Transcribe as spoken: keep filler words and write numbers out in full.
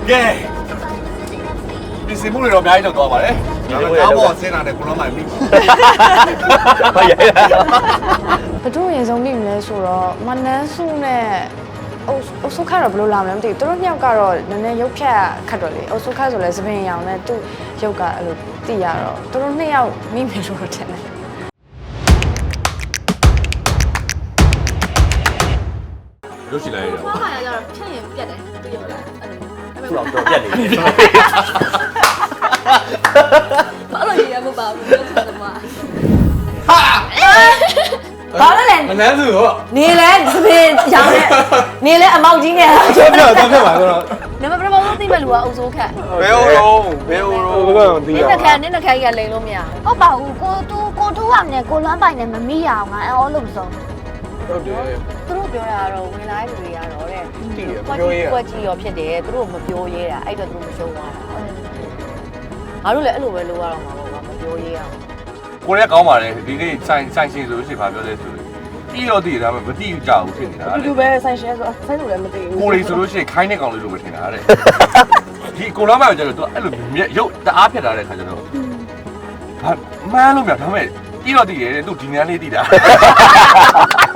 ကဲဒီစီမှုတွေတော့အများကြီးတော့သွားပါတယ်ဒါပေမဲ့ကားပေါ်ဆင်းလာတဲ့ကိုလုံးမိုင်ပြီဟုတ်ရဲ့ဘသူရင်ဆုံးမိမလဲဆိုတော့မနန်းစုနဲ့အုပ်အုပ်စုခါတော့ဘယ်လိုလာမလဲမသိဘူးသူတို့နှစ်ယောက်ကတော့နည်းနည်းရုပ်ဖြတ်ခတ်တော့လေအုပ်စုခါဆိုလဲသပင်ရောင်နဲ့သူ့ရုပ်ကအဲ့လိုသိရတော့သူတို့နှစ်ယောက်မိမယ်လို့ထင်တယ်ရုပ်ရှင်လိုက်ရအောင်ဆောင်းပါရကြတော့ဖြတ်ရင်ပြတ်တယ်သူရုပ်ကအဲ့လိုသူ့အောင်တော့ပြက်နေတယ်ဘာလို့ရရမပါဘူးလို့ဆိုတော့မှာဘာလဲလဲမနန်းစုဟောနေလဲသပင်ရောင်နဲ့နေလဲအမောက်ကြီးနဲ့ပြောပြောတော့ပြပါတော့နံပါတ်ပထမဆုံးသိမဲ့လူကအုပ်စိုးခတ်ဘယ်ဟိုတော့ဘယ်ဟိုတော့ဘယ်ကတော့သိနရင်းတစ်ခါနင်းတစ်ခါကြီးကလိန်လို့မရဟုတ်ပါဘူးကိုတူကိုတူရမယ်ကိုလွမ်းပိုင်နဲ့မမိရအောင်ငါအော်လို့မဆုံးဟုတ်တယ်သူတို့ပြောတာကတော့ဝင်လာတဲ့လူတွေကတော့တဲ့သိရကွက်ပြောကြီးရကွက်ကြီးရောဖြစ်တယ်သူတို့မပြောရဲတာအဲ့တော့သူတို့မရှုံးသွားတာငါတို့လည်းအဲ့လိုပဲလုပ်ရတော့မှာပေါ့ကွာမပြောရဲအောင်ကိုရဲကောင်းပါတယ်ဒီနေ့ဆိုင်ဆိုင်ရှင်ဆိုလို့ရှိရင်ဘာပြောလဲဆိုလို့ပြီးတော့တည်ဒါပေမဲ့မတည်ကြဘူးဖြစ်နေတာတူတူပဲဆိုင်ရှယ်ဆိုဆိုင်လို့လည်းမသိဘူးကိုလေးဆိုလို့ရှိရင်ခိုင်းတဲ့ကောင်လေးလိုပဲထင်တာတဲ့ဒီကိုလာမှကျတော့သူအဲ့လိုရုပ်တအားဖြစ်လာတဲ့ခါကျတော့ဘာမှန်းလို့မရဒါပေမဲ့ပြီးတော့တည်တယ်သူဒီနန်းလေးတည်တာ